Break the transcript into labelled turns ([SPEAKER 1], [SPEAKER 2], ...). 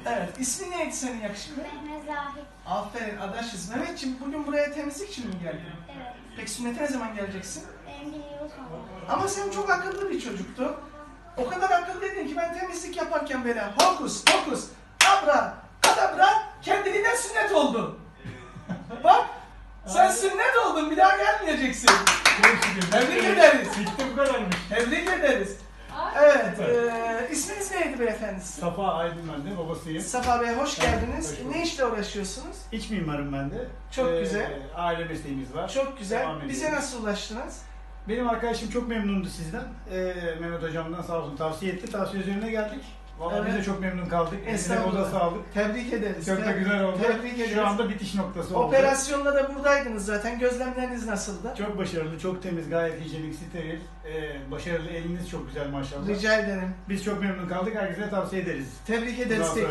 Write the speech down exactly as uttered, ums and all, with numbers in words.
[SPEAKER 1] Evet. İsmin neydi senin yakışıklı?
[SPEAKER 2] Mehmet Zahid.
[SPEAKER 1] Aferin, adaşız. Mehmetciğim bugün buraya temizlik için mi geldin?
[SPEAKER 2] Evet.
[SPEAKER 1] Peki sünnete ne zaman geleceksin?
[SPEAKER 2] Benim bir yıl sonra.
[SPEAKER 1] Ama sen çok akıllı bir çocuktun. O kadar akıllıydın ki ben temizlik yaparken böyle hokus pokus abra kadabra kendiliğinden sünnet oldun. Bak sen sünnet oldun, bir daha gelmeyeceksin. Tebrik ederiz.
[SPEAKER 3] Bitti, bu kadarmış.
[SPEAKER 1] Tebrik ederiz. Evet, e, isminiz neydi beyefendi?
[SPEAKER 3] Safa Aydın ben de, babasıyım.
[SPEAKER 1] Safa Bey hoş geldiniz.
[SPEAKER 3] Hoş bulduk.
[SPEAKER 1] Ne işle uğraşıyorsunuz?
[SPEAKER 3] İç mimarım ben de.
[SPEAKER 1] Çok güzel.
[SPEAKER 3] Aile mesleğimiz var.
[SPEAKER 1] Çok güzel.
[SPEAKER 3] Devam
[SPEAKER 1] Bize
[SPEAKER 3] ediyoruz.
[SPEAKER 1] nasıl ulaştınız?
[SPEAKER 3] Benim arkadaşım çok memnundu sizden. Ee, Mehmet hocamdan sağ olsun tavsiye etti. Tavsiye üzerine geldik. Vallahi
[SPEAKER 1] Evet.
[SPEAKER 3] biz de çok memnun kaldık. Eline
[SPEAKER 1] Estağfurullah.
[SPEAKER 3] koza sağlık.
[SPEAKER 1] Tebrik ederiz.
[SPEAKER 3] Çok da
[SPEAKER 1] Tebrik-
[SPEAKER 3] güzel oldu.
[SPEAKER 1] Tebrik ederiz.
[SPEAKER 3] Şu anda bitiş noktası oldu.
[SPEAKER 1] Operasyonda da buradaydınız zaten. Gözlemleriniz nasıldı?
[SPEAKER 3] Çok başarılı, çok temiz, gayet hijyenik, steril. Ee, başarılı, eliniz çok güzel maşallah.
[SPEAKER 1] Rica ederim.
[SPEAKER 3] Biz çok memnun kaldık. Herkese tavsiye ederiz.
[SPEAKER 1] Tebrik
[SPEAKER 3] Bundan
[SPEAKER 1] ederiz.
[SPEAKER 3] sonra-